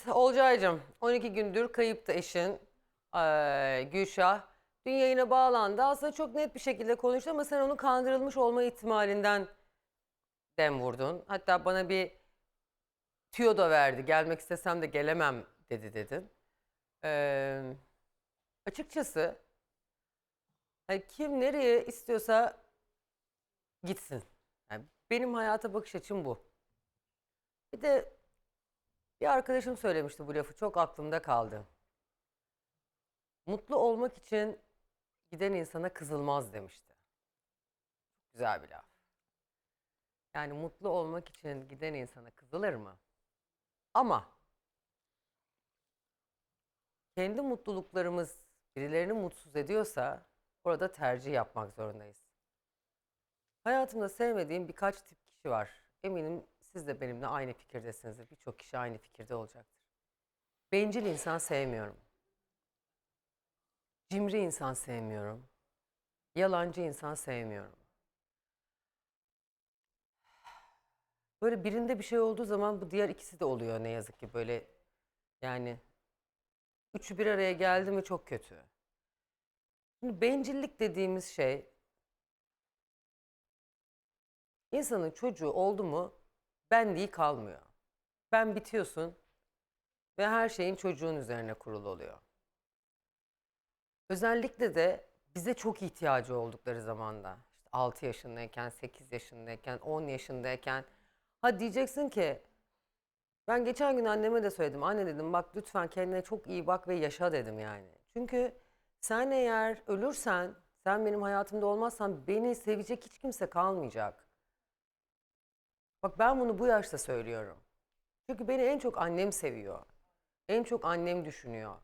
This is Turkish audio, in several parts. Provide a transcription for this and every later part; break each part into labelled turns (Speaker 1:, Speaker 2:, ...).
Speaker 1: Evet Olcay'cığım 12 gündür kayıptı eşin Gülşah. Dün yayına bağlandı. Aslında çok net bir şekilde konuştu ama sen onun kandırılmış olma ihtimalinden dem vurdun. Hatta bana bir tüyo da verdi. Gelmek istesem de gelemem dedin. Eee, açıkçası hani kim nereye istiyorsa gitsin. Yani benim hayata bakış açım bu. Bir de bir arkadaşım söylemişti bu lafı, çok aklımda kaldı. Mutlu olmak için giden insana kızılmaz demişti. Güzel bir laf. Yani mutlu olmak için giden insana kızılır mı? Ama kendi mutluluklarımız birilerini mutsuz ediyorsa orada tercih yapmak zorundayız. Hayatımda sevmediğim birkaç tip kişi var. Eminim siz de benimle aynı fikirdesinizdir. Birçok kişi aynı fikirde olacaktır. Bencil insan sevmiyorum. Cimri insan sevmiyorum. Yalancı insan sevmiyorum. Böyle birinde bir şey olduğu zaman bu diğer ikisi de oluyor ne yazık ki, böyle yani üçü bir araya geldi mi çok kötü. Şimdi bencillik dediğimiz şey, insanın çocuğu oldu mu benliği kalmıyor. Ben bitiyorsun ve her şeyin çocuğun üzerine kurulu oluyor. Özellikle de bize çok ihtiyacı oldukları zamanda. İşte 6 yaşındayken, 8 yaşındayken, 10 yaşındayken. Ha diyeceksin ki ben geçen gün anneme de söyledim. Anne dedim bak lütfen kendine çok iyi bak ve yaşa dedim yani. Çünkü sen eğer ölürsen, sen benim hayatımda olmazsan beni sevecek hiç kimse kalmayacak. Bak ben bunu bu yaşta söylüyorum. Çünkü beni en çok annem seviyor. En çok annem düşünüyor.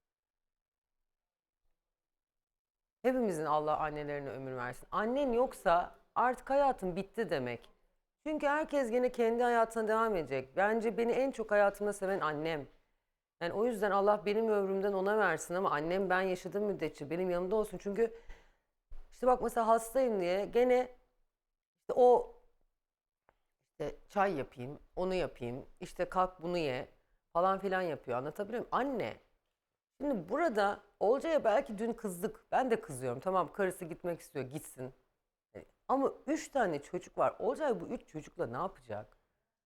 Speaker 1: Hepimizin Allah annelerine ömür versin. Annen yoksa artık hayatın bitti demek. Çünkü herkes gene kendi hayatına devam edecek. Bence beni en çok hayatımda seven annem. Yani o yüzden Allah benim ömrümden ona versin ama annem ben yaşadığım müddetçe benim yanımda olsun. Çünkü işte bak mesela hastayım diye gene işte o işte çay yapayım, onu yapayım, işte kalk bunu ye falan filan yapıyor. Anlatabiliyor muyum? Anne. Şimdi burada Olcay'a belki dün kızdık. Ben de kızıyorum. Tamam karısı gitmek istiyor, gitsin. Ama 3 tane çocuk var. Olcay bu 3 çocukla ne yapacak?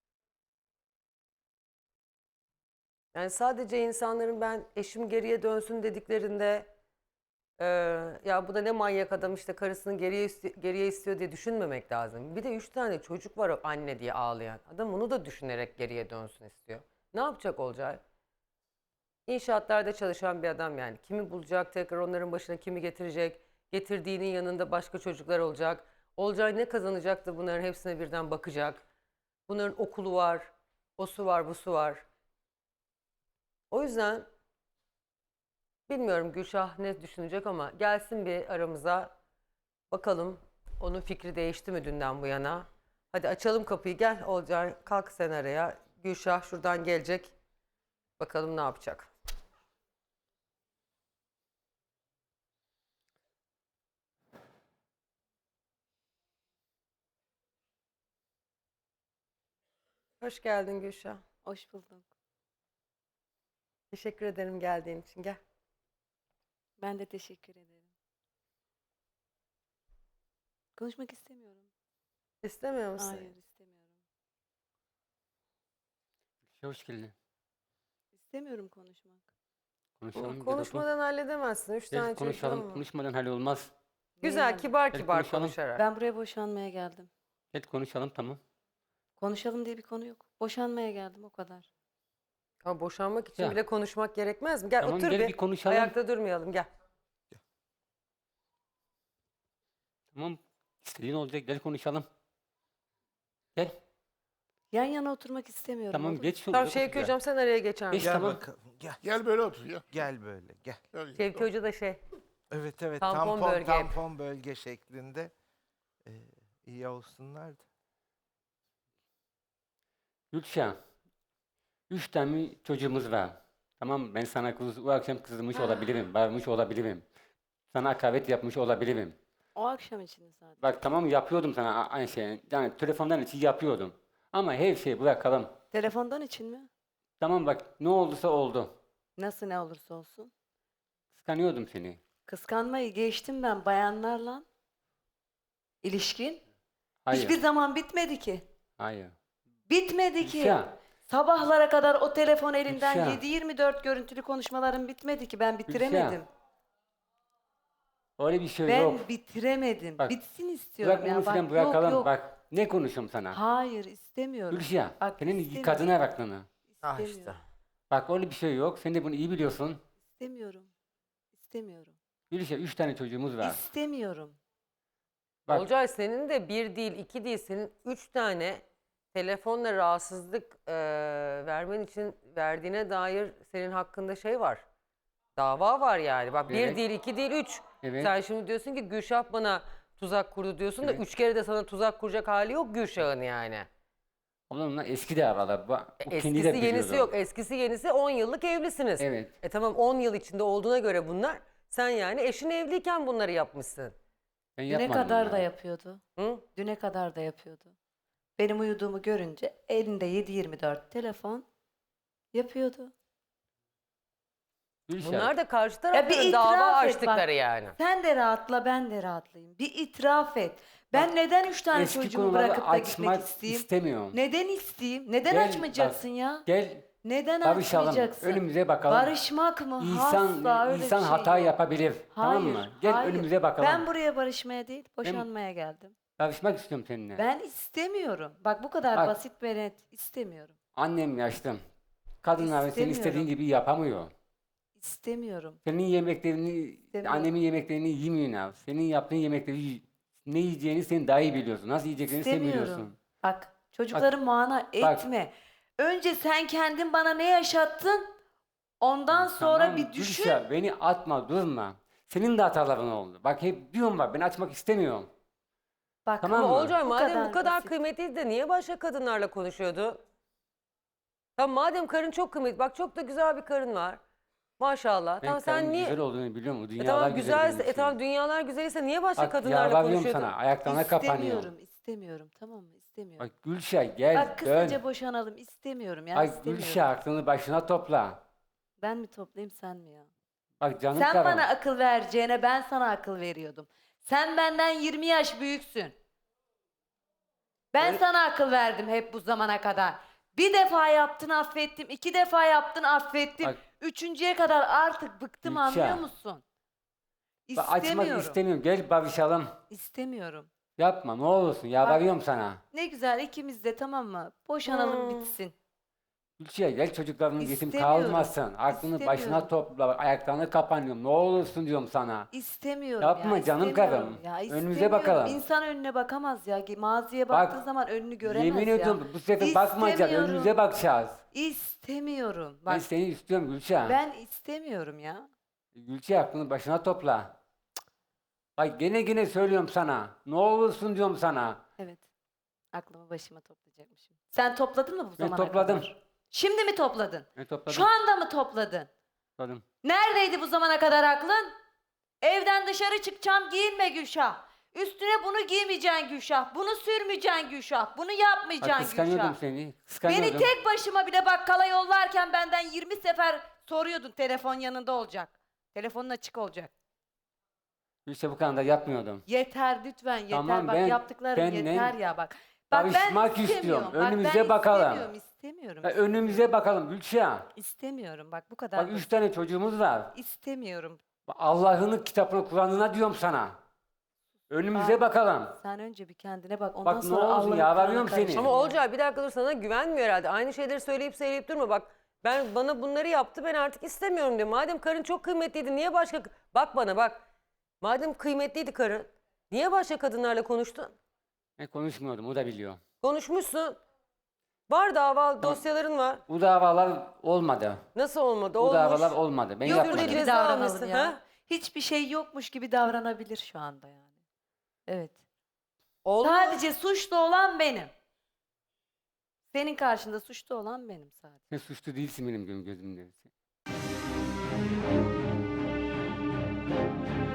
Speaker 1: Yani sadece insanların ben eşim geriye dönsün dediklerinde ya bu da ne manyak adam işte karısını geriye istiyor diye düşünmemek lazım. Bir de 3 tane çocuk var o anne diye ağlayan. Adam onu da düşünerek geriye dönsün istiyor. Ne yapacak Olcay? İnşaatlarda çalışan bir adam yani. Kimi bulacak tekrar onların başına kimi getirecek? Getirdiğinin yanında başka çocuklar olacak. Olcay ne kazanacak da bunların hepsine birden bakacak. Bunların okulu var, o su var, bu su var. O yüzden bilmiyorum Gülşah ne düşünecek ama gelsin bir aramıza. Bakalım onun fikri değişti mi dünden bu yana. Hadi açalım kapıyı, gel Olcay kalk sen araya. Gülşah şuradan gelecek. Bakalım ne yapacak. Hoş geldin Gülşah.
Speaker 2: Hoş bulduk.
Speaker 1: Teşekkür ederim geldiğin için. Gel.
Speaker 2: Ben de teşekkür ederim. Konuşmak istemiyorum.
Speaker 1: İstemiyor musun?
Speaker 2: Hayır, istemiyorum.
Speaker 3: Hoş geldin.
Speaker 2: İstemiyorum konuşmak.
Speaker 1: Ama
Speaker 3: Konuşalım, gel otur.
Speaker 1: konuşmadan halledemezsin. Üç
Speaker 3: Gel
Speaker 1: tane çocuğum
Speaker 3: konuşalım,
Speaker 1: var.
Speaker 3: konuşmadan hallolmaz.
Speaker 2: Neyi
Speaker 1: Güzel,
Speaker 2: hallet?
Speaker 1: kibar
Speaker 3: Gel
Speaker 1: kibar
Speaker 3: konuşalım.
Speaker 1: konuşarak.
Speaker 2: Ben buraya boşanmaya geldim.
Speaker 3: Gel konuşalım, tamam.
Speaker 2: Konuşalım diye bir konu yok. Boşanmaya geldim o kadar.
Speaker 1: Ama boşanmak için
Speaker 3: Ya,
Speaker 1: bile konuşmak gerekmez mi? Gel
Speaker 3: tamam
Speaker 1: otur
Speaker 3: gel
Speaker 1: bir.
Speaker 3: bir konuşalım.
Speaker 1: Ayakta durmayalım gel.
Speaker 3: Tamam, istediğin olacak, gel konuşalım. Gel,
Speaker 2: Yan yana oturmak istemiyorum,
Speaker 3: tamam
Speaker 2: olur mu?
Speaker 3: geç şu.
Speaker 1: Tamam Şevki Hocam sen araya geçer
Speaker 3: Geç
Speaker 1: misin?
Speaker 4: Gel
Speaker 3: tamam.
Speaker 4: bakalım gel.
Speaker 5: Gel böyle otur ya.
Speaker 4: Gel böyle gel.
Speaker 5: Gel.
Speaker 1: Şevki Hoca da şey.
Speaker 4: Evet evet
Speaker 1: Tampon
Speaker 4: tampon
Speaker 1: bölge.
Speaker 4: tampon bölge şeklinde iyi olsunlar da.
Speaker 3: Gülşah, 3 tane çocuğumuz var. Tamam, ben sana bu akşam kızmış olabilirim, bağırmış olabilirim. Sana hakaret yapmış olabilirim.
Speaker 2: O akşam için zaten.
Speaker 3: Bak tamam yapıyordum sana aynı şeyi. Yani telefondan için yapıyordum. Ama her şeyi bırakalım.
Speaker 2: Telefondan için mi?
Speaker 3: Tamam bak ne olduysa oldu.
Speaker 2: Nasıl ne olursa olsun.
Speaker 3: Kıskanıyordum seni.
Speaker 2: Kıskanmayı geçtim ben bayanlarla. İlişkin.
Speaker 3: Hayır.
Speaker 2: Hiçbir zaman bitmedi ki.
Speaker 3: Hayır.
Speaker 2: Bitmedi ki.
Speaker 3: Gülşah.
Speaker 2: Sabahlara kadar o telefon elinden
Speaker 3: Gülşah.
Speaker 2: 7-24 görüntülü konuşmalarım bitmedi ki. Ben bitiremedim.
Speaker 3: Öyle bir şey
Speaker 2: Ben
Speaker 3: yok.
Speaker 2: bitiremedim.
Speaker 3: Bak,
Speaker 2: Bitsin istiyorum
Speaker 3: Bırak
Speaker 2: ya.
Speaker 3: onu
Speaker 2: Bak,
Speaker 3: filan
Speaker 2: yok,
Speaker 3: bırakalım.
Speaker 2: yok.
Speaker 3: Bak ne konuşuyorum sana.
Speaker 2: Hayır istemiyorum.
Speaker 3: Gülşah.
Speaker 2: Bak,
Speaker 3: Senin
Speaker 2: istemiyorum.
Speaker 3: kadına aklını.
Speaker 1: Ah
Speaker 2: İstemiyorum.
Speaker 1: işte.
Speaker 3: Bak öyle bir şey yok. Sen de bunu iyi biliyorsun.
Speaker 2: İstemiyorum. İstemiyorum.
Speaker 3: Gülşah 3 tane çocuğumuz var.
Speaker 2: İstemiyorum.
Speaker 3: Bak
Speaker 1: Olcay senin de bir değil, iki değil, senin 3 tane telefonla rahatsızlık vermen için verdiğine dair senin hakkında şey var. Dava var yani. Bak bir
Speaker 3: Evet.
Speaker 1: değil, iki değil, 3.
Speaker 3: Evet.
Speaker 1: Sen şimdi diyorsun ki Gülşah bana tuzak kurdu diyorsun da
Speaker 3: Evet.
Speaker 1: 3 kere de sana tuzak kuracak hali yok Gülşah'ın yani.
Speaker 3: onunla eski de aralar. O kendi
Speaker 1: Eskisi
Speaker 3: de
Speaker 1: yenisi
Speaker 3: biliyordu.
Speaker 1: yok. Eskisi yenisi 10 yıllık evlisiniz.
Speaker 3: Evet.
Speaker 1: Tamam 10 yıl içinde olduğuna göre bunlar. Sen yani eşin evliyken bunları yapmışsın.
Speaker 3: Ben
Speaker 2: Düne
Speaker 3: yapmadım
Speaker 2: kadar
Speaker 3: ya.
Speaker 2: da yapıyordu.
Speaker 1: Hı?
Speaker 2: Düne kadar da yapıyordu. Benim uyuduğumu görünce elinde 7-24 telefon yapıyordu.
Speaker 3: Gülşah.
Speaker 1: Bunlar da karşı
Speaker 2: bir
Speaker 1: tarafların
Speaker 2: itiraf
Speaker 1: dava
Speaker 2: et
Speaker 1: açtıkları
Speaker 2: bak.
Speaker 1: yani.
Speaker 2: Sen de rahatla ben de rahatlayayım. Bir itiraf et. Ben neden 3 tane
Speaker 3: Eski
Speaker 2: çocuğumu
Speaker 3: konuları
Speaker 2: bırakıp da gitmek
Speaker 3: açmak
Speaker 2: isteyeyim?
Speaker 3: istemiyorum.
Speaker 2: Neden isteyeyim? Neden
Speaker 3: Gel,
Speaker 2: açmayacaksın
Speaker 3: bak,
Speaker 2: ya?
Speaker 3: Gel
Speaker 2: Neden
Speaker 3: barışalım.
Speaker 2: açmayacaksın?
Speaker 3: Önümüze bakalım.
Speaker 2: Barışmak mı? Asla öyle
Speaker 3: İnsan
Speaker 2: bir şey
Speaker 3: hata
Speaker 2: yok.
Speaker 3: yapabilir. Tamam
Speaker 2: Hayır,
Speaker 3: mı? Gel
Speaker 2: hayır.
Speaker 3: önümüze bakalım.
Speaker 2: Ben buraya barışmaya değil, boşanmaya geldim.
Speaker 3: Barışmak istiyorum seninle.
Speaker 2: Ben istemiyorum. Bak bu kadar
Speaker 3: Bak.
Speaker 2: basit ve net istemiyorum.
Speaker 3: Annem yaşlı. Kadınlar senin
Speaker 2: İstemiyorum.
Speaker 3: istediğin gibi yapamıyor.
Speaker 2: İstemiyorum.
Speaker 3: Senin yemeklerini,
Speaker 2: İstemiyorum.
Speaker 3: annemin yemeklerini yemiyorsun abi. Senin yaptığın yemekleri ne yiyeceğini sen daha iyi biliyorsun. Nasıl yiyeceklerini sen biliyorsun.
Speaker 2: İstemiyorum. Bak çocukları mana etme. Önce sen kendin bana ne yaşattın? Ondan sonra
Speaker 3: Tamam,
Speaker 2: bir düşün.
Speaker 3: Gülşah, beni atma, durma. Senin de hataların oldu. Bak hep diyorum bak ben açmak istemiyorum.
Speaker 2: Bak
Speaker 3: Tamam
Speaker 1: Ama
Speaker 3: mı?
Speaker 1: Olcay madem bu kadar
Speaker 2: basit.
Speaker 1: kıymetliydi de niye başka kadınlarla konuşuyordu? Tamam madem karın çok kıymetli. Bak çok da güzel bir karın var. Maşallah.
Speaker 3: Ben
Speaker 1: Tamam sen
Speaker 3: karımın
Speaker 1: niye...
Speaker 3: güzel olduğunu biliyorum. O dünyalar
Speaker 1: tamam
Speaker 3: güzel benim
Speaker 1: güzelse,
Speaker 3: için.
Speaker 1: tamam dünyalar güzelse niye başka
Speaker 3: Bak
Speaker 1: kadınlarla
Speaker 3: yalvarıyorum
Speaker 1: konuşuyordun?
Speaker 3: sana. Ayaklarına kapanıyorum.
Speaker 2: İstemiyorum. Tamam mı? İstemiyorum.
Speaker 3: Bak Gülşah gel
Speaker 2: Bak
Speaker 3: dön.
Speaker 2: kısaca boşanalım. İstemiyorum ya.
Speaker 3: Bak
Speaker 2: istemiyorum.
Speaker 3: Gülşah aklını başına topla.
Speaker 2: Ben mi toplayayım sen mi ya?
Speaker 3: Bak canım
Speaker 2: Sen
Speaker 3: karım.
Speaker 2: bana akıl vereceğine ben sana akıl veriyordum. Sen benden 20 yaş büyüksün. Ben sana akıl verdim hep bu zamana kadar. Bir defa yaptın affettim, 2 defa yaptın affettim.
Speaker 3: Bak-
Speaker 2: Üçüncüye kadar artık bıktım
Speaker 3: Gülşah.
Speaker 2: anlıyor musun?
Speaker 3: Bak, açmak
Speaker 2: İstemiyorum.
Speaker 3: istemiyorum. Gel barışalım.
Speaker 2: İstemiyorum.
Speaker 3: Yapma ne olursun. Yalvarıyorum sana.
Speaker 2: Ne güzel ikimiz de tamam mı? Boşanalım bitsin.
Speaker 3: Gülşah gel çocukların yetim
Speaker 2: İstemiyorum.
Speaker 3: kalmasın. Aklını başına
Speaker 2: İstemiyorum.
Speaker 3: topla. Bak, ayaklarına kapanıyorum. Ne olursun diyorum sana.
Speaker 2: İstemiyorum
Speaker 3: Yapma
Speaker 2: ya.
Speaker 3: canım
Speaker 2: istemiyorum
Speaker 3: karım.
Speaker 2: Ya,
Speaker 3: Önümüze
Speaker 2: istemiyorum.
Speaker 3: bakalım.
Speaker 2: İnsan önüne bakamaz ya. Maziye
Speaker 3: Bak,
Speaker 2: baktığı zaman önünü göremez
Speaker 3: Yemin
Speaker 2: ya.
Speaker 3: ediyorum bu sefer bakmayacağız.
Speaker 2: İstemiyorum.
Speaker 3: Önümüze bakacağız.
Speaker 2: İstemiyorum.
Speaker 3: Ben
Speaker 2: Bak
Speaker 3: seni istiyorum Gülşah.
Speaker 2: ben istemiyorum ya.
Speaker 3: Gülşah aklını başına topla. Bak gene söylüyorum sana. Ne olursun diyorum sana.
Speaker 2: Evet. Aklımı başıma toplayacakmışım. Sen topladın mı bu
Speaker 3: Ben
Speaker 2: zamana
Speaker 3: topladım.
Speaker 2: kadar? Şimdi mi topladın?
Speaker 3: Ben topladım.
Speaker 2: Şu anda mı topladın?
Speaker 3: Topladım.
Speaker 2: Neredeydi bu zamana kadar aklın? Evden dışarı çıkacağım giyinme Gülşah. Üstüne bunu giymeyeceksin Gülşah. Bunu sürmeyeceksin Gülşah. Bunu
Speaker 3: Bak
Speaker 2: yapmayacaksın
Speaker 3: kıskanıyordum
Speaker 2: Gülşah.
Speaker 3: seni. Kıskanıyordum.
Speaker 2: Beni tek başıma bile bakkala yollarken benden 20 sefer soruyordun telefon yanında olacak. Telefonun açık olacak.
Speaker 3: Gülşah bu kadar da yapmıyordum.
Speaker 2: Yeter lütfen yeter.
Speaker 3: Tamam,
Speaker 2: bak
Speaker 3: ben
Speaker 2: yaptıkların
Speaker 3: seninle
Speaker 2: yeter ya bak. Bak ben
Speaker 3: barışmak
Speaker 2: istemiyorum.
Speaker 3: istiyorum.
Speaker 2: Bak,
Speaker 3: Önümüze
Speaker 2: ben
Speaker 3: bakalım.
Speaker 2: İstemiyorum.
Speaker 3: Ya önümüze bakalım Gülşah.
Speaker 2: İstemiyorum. Bak bu kadar.
Speaker 3: Bak 3 tane çocuğumuz var.
Speaker 2: İstemiyorum.
Speaker 3: Bak, Allah'ın kitabını Kur'an'ına diyorum sana. Önümüze
Speaker 2: Bak,
Speaker 3: bakalım.
Speaker 2: Sen önce bir kendine bak. Ondan
Speaker 3: Bak, ne
Speaker 2: sonra
Speaker 3: olsun,
Speaker 2: Allah'ın
Speaker 3: yalvarıyorum
Speaker 2: Kur'an'ı
Speaker 3: seni.
Speaker 2: karıştırma.
Speaker 1: Ama Olcay bir dakika dur sana güvenmiyor herhalde. Aynı şeyleri söyleyip durma bak. Bana bunları yaptı ben artık istemiyorum diyor. Madem karın çok kıymetliydi niye başka... Bak bana bak. Madem kıymetliydi karın niye başka kadınlarla konuştun?
Speaker 3: Ben konuşmuyordum o da biliyor.
Speaker 1: Konuşmuşsun. Var dava dosyaların var.
Speaker 3: Bu davalar olmadı.
Speaker 1: Nasıl olmadı?
Speaker 3: Bu
Speaker 1: Olmuş.
Speaker 3: davalar olmadı. Ben
Speaker 2: Yokmuş
Speaker 3: yapmadım.
Speaker 2: gibi
Speaker 1: Ceza
Speaker 2: davranalım
Speaker 1: almışsın,
Speaker 2: ya.
Speaker 1: ha?
Speaker 2: Hiçbir şey yokmuş gibi davranabilir şu anda yani. Evet.
Speaker 1: Olmuş.
Speaker 2: Sadece suçlu olan benim. Senin karşında suçlu olan benim sadece.
Speaker 3: Sen suçlu değilsin benim gözümde.